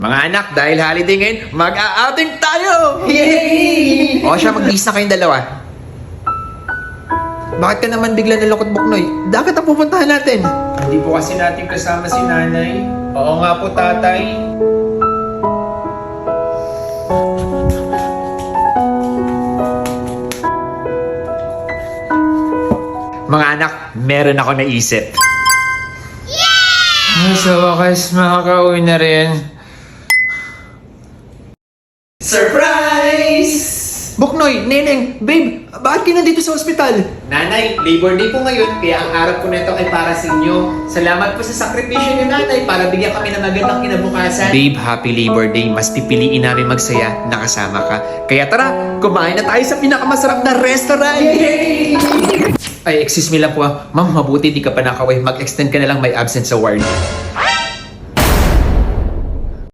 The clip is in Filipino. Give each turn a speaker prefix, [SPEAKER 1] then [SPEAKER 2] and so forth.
[SPEAKER 1] Mga anak, dahil holiday ngayon, mag-a-outing tayo! Yay! O siya, mag-bis na kayong dalawa. Bakit ka naman bigla nalungkot, Buknoy? Dapat ang pupuntahan natin.
[SPEAKER 2] Hindi po kasi natin kasama si nanay. Oo nga po, tatay.
[SPEAKER 1] Mga anak, meron ako naisip.
[SPEAKER 2] Sa wakas, makakauwi na rin.
[SPEAKER 1] Surprise! Buknoy, Neneng, babe, bakit kayo nandito sa ospital?
[SPEAKER 2] Nanay, Labor Day po ngayon, kaya ang araw po nito ay para sa inyo. Salamat po sa sakripisyo ni nanay para bigyan kami ng magandang kinabukasan.
[SPEAKER 1] Babe, happy Labor Day. Mas pipiliin namin magsaya na kasama ka. Kaya tara, kumain na tayo sa pinakamasarap na restaurant! Yay! Ay, excuse me lang po ah. Ma'am, mabuti di ka pa nakaway. Mag-extend ka na lang may absence sa ward.